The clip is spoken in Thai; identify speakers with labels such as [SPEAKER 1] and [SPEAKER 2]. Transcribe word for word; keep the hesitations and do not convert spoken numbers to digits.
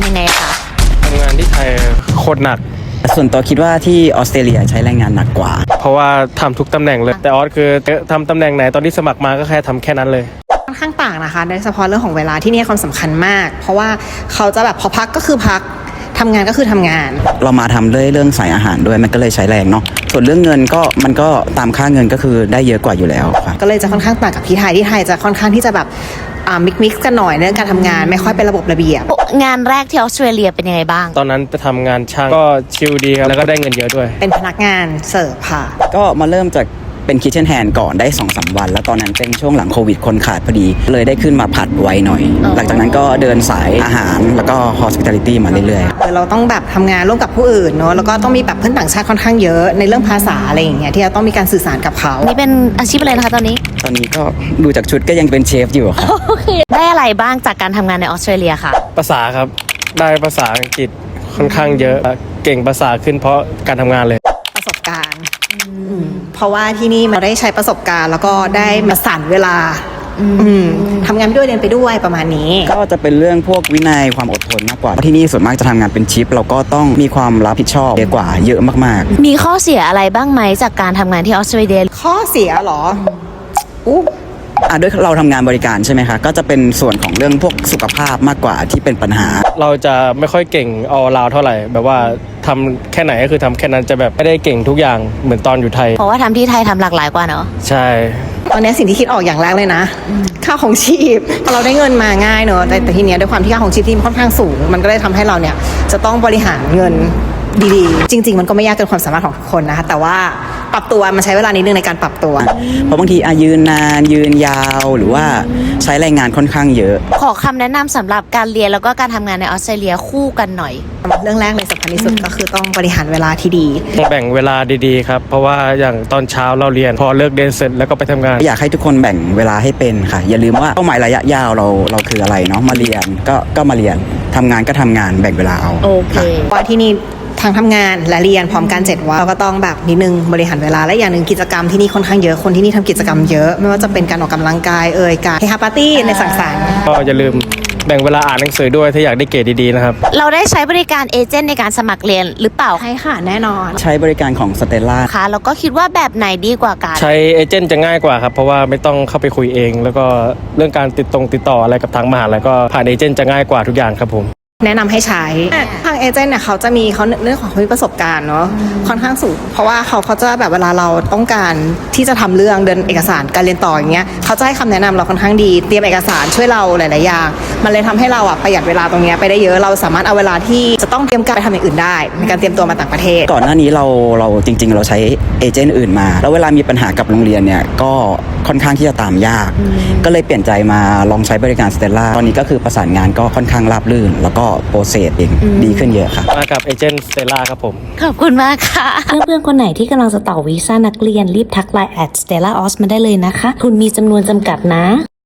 [SPEAKER 1] ยังไงคะ
[SPEAKER 2] ทำงานที่ไทยโคตรหนัก
[SPEAKER 3] ส่วนตัวคิดว่าที่ออสเตรเลียใช้แรงงานหนักกว่า
[SPEAKER 2] เพราะว่าทำทุกตำแหน่งเลยแต่ออสคือทำตำแหน่งไหนตอนที่สมัครมาก็แค่ทำแค่นั้นเลย
[SPEAKER 4] ค่อนข้างต่างนะคะโดยเฉพาะเรื่องของเวลาที่นี่ความสำคัญมากเพราะว่าเขาจะแบบพอพักก็คือพักทำงานก็คือทำงาน
[SPEAKER 3] เรามาทำด้วยเรื่องสายอาหารด้วยมันก็เลยใช้แรงเนาะส่วนเรื่องเงินก็มันก็ตามค่าเงินก็คือได้เยอะกว่าอยู่แล้วครับ
[SPEAKER 4] ก็เลยจะค่อนข้างต่างกับที่ไทยที่ไทยจะค่อนข้างที่จะแบบอ่ามิกมิกกันหน่อยเรื่องการทำงานไม่ค่อยเป็นระบบระเบียบ
[SPEAKER 1] งานแรกที่ออสเตรเลียเป็นยังไงบ้าง
[SPEAKER 2] ตอนนั้นไปทำงานช่างก็ชิลดีครับแล้วก็ได้เงินเยอะด้วย
[SPEAKER 4] เป็นพนักงานเสิร์ฟค่ะ
[SPEAKER 3] ก็มาเริ่มจากเป็นคิทเช่นแฮนด์ก่อนได้ สองสาม วันแล้วตอนนั้นเป็นช่วงหลังโควิดคนขาดพอดีเลยได้ขึ้นมาผัดไวหน่อยหลังจากนั้นก็เดินสายอาหารแล้วก็ hospitality มาเรื่อย
[SPEAKER 4] ๆเราต้องแบบทำงานร่วมกับผู้อื่นเนาะแล้วก็ต้องมีแบบเพื่อนต่างชาติค่อนข้างเยอะในเรื่องภาษาอะไรอย่างเงี้ยที่เราต้องมีการสื่อสารกับเขา
[SPEAKER 1] นี่เป็นอาชีพอะไรนะคะตอนนี้
[SPEAKER 3] ตอนนี้ก็ดูจากชุดก็ยังเป็นเชฟอยู่ครับ
[SPEAKER 1] ได้อะไรบ้างจากการทำงานในออสเตรเลียค่ะ
[SPEAKER 2] ภาษาครับได้ภาษาอังกฤษค่อนข้างเยอะเก่งภาษาขึ้นเพราะการทำงานเลย
[SPEAKER 4] ประสบการณ์เพราะว่าที่นี่มันได้ใช้ประสบการณ์แล้วก็ได้มาสั่นเวลาทำงานไปด้วยเรียนไปด้วยประมาณนี้
[SPEAKER 3] ก็จะเป็นเรื่องพวกวินัยความอดทนมากกว่าที่นี่ส่วนมากจะทำงานเป็นชิปเราก็ต้องมีความรับผิดชอบเยอะกว่าเยอะมาก
[SPEAKER 1] ๆมีข้อเสียอะไรบ้างไหมจากการทำงานที่ออสเตรเลีย
[SPEAKER 4] ข้อเสียหรอ
[SPEAKER 3] อู้อ่ะด้วยเราทำงานบริการใช่ไหมคะก็จะเป็นส่วนของเรื่องพวกสุขภาพมากกว่าที่เป็นปัญหา
[SPEAKER 2] เราจะไม่ค่อยเก่งออลราวเท่าไหร่แบบว่าทำแค่ไหนก็คือทำแค่นั้นจะแบบไม่ได้เก่งทุกอย่างเหมือนตอนอยู่ไทย
[SPEAKER 1] เพราะว่าทำที่ไทยทำหลากหลายกว่าเนาะ
[SPEAKER 2] ใช่
[SPEAKER 4] ตอนนี้สิ่งที่คิดออกอย่างแรกเลยนะค่าของชีพพอเราได้เงินมาง่ายเนอะแต่แต่ทีเนี้ยด้วยความที่ค่าของชีพที่มันค่อนข้างสูงมันก็เลยทำให้เราเนี่ยจะต้องบริหารเงินดีๆจริงๆมันก็ไม่ยากเกินความสามารถของทุกคนนะคะแต่ว่าปรับตัวมันใช้เวลานิดนึงในการปรับตัว
[SPEAKER 3] เพราะบางทีอายืนนานยืนยาวหรือว่าใช้แรงงานค่อนข้างเยอะ
[SPEAKER 1] ขอคำแนะนำสำหรับการเรียนแล้วก็การทำงานในออสเตรเลียคู่กันหน่อย
[SPEAKER 4] เรื่องแรกเลยสำคัญที่สุดก็คือต้องบริหารเวลาที่ดี
[SPEAKER 2] แบ่งเวลาดีๆครับเพราะว่าอย่างตอนเช้าเราเรียนพอเลิกเรียนเสร็จแล้วก็ไปทำงาน
[SPEAKER 3] อยากให้ทุกคนแบ่งเวลาให้เป็นค่ะอย่าลืมว่าเป้าหมายระยะยาวเราเราคืออะไรเนาะมาเรียนก็ก็มาเรียนทำงานก็ทำงานแบ่งเวลาเอา
[SPEAKER 1] โอเค
[SPEAKER 4] ว่าที่นี่ทั้งทำงานและเรียนพร้อมกันเจ็ดวันเราก็ต้องแบบนิดนึงบริหารเวลาและอย่างหนึ่งกิจกรรมที่นี่ค่อนข้างเยอะคนที่นี่ทำกิจกรรมเยอะไม่ว่าจะเป็นการออกกำลังกายเอ่ยการเฮฮาปาร์ตี้ในสังสรรค์
[SPEAKER 2] ก็อย่าลืมแบ่งเวลาอ่านหนังสือด้วยถ้าอยากได้เกรดดีๆนะครับ
[SPEAKER 1] เราได้ใช้บริการเอเจนต์ในการสมัครเรียนหรือเปล่า
[SPEAKER 4] ใช่ค่ะแน่นอน
[SPEAKER 3] ใช้บริการของสเตลล่า
[SPEAKER 1] ค่ะแล้วก็คิดว่าแบบไหนดีกว่ากัน
[SPEAKER 2] ใช้เอเจนต์จะง่ายกว่าครับเพราะว่าไม่ต้องเข้าไปคุยเองแล้วก็เรื่องการติดตรงติดต่ออะไรกับทางมหาลัยก็ผ่านเอเจนต์จะง่ายกว่าทุกอย่างครับผม
[SPEAKER 4] แนะนำให้ใช้ทางเอเจนต์เนี่ยเขาจะมีเขาเรื่องของเขามีประสบการณ์เนาะค่อนข้างสูงเพราะว่าเขาเขาจะแบบเวลาเราต้องการที่จะทำเรื่องเดินเอกสารการเรียนต่ออย่างเงี้ยเขาจะให้คำแนะนำเราค่อนข้างดีเตรียมเอกสารช่วยเราหลายๆอย่างมันเลยทำให้เราอ่ะประหยัดเวลาตรงเนี้ยไปได้เยอะเราสามารถเอาเวลาที่จะต้องเตรียมการไปทำอย่างอื่นได้ในการเตรียมตัวมาต่างประเทศ
[SPEAKER 3] ก่อนหน้านี้เราเราจริงๆเราใช้เอเจนต์อื่นมาแล้วเวลามีปัญหากับโรงเรียนเนี่ยก็ค่อนข้างที่จะตามยากก็เลยเปลี่ยนใจมาลองใช้บริการสเตลล่าตอนนี้ก็คือประสานงานก็ค่อนข้างราบรื่นแล้วก็โปรเซสเองดีขึ้นเยอะค่ะ
[SPEAKER 2] มากับเอเจนต์สเตลล่าครับผม
[SPEAKER 1] ขอบคุณมากค่ะเพื่อนๆคนไหนที่กำลังจะต่อวีซ่านักเรียนรีบทักไลน์แอดสเตลล่าออสมาได้เลยนะคะคุณมีจำนวนจำกัดนะ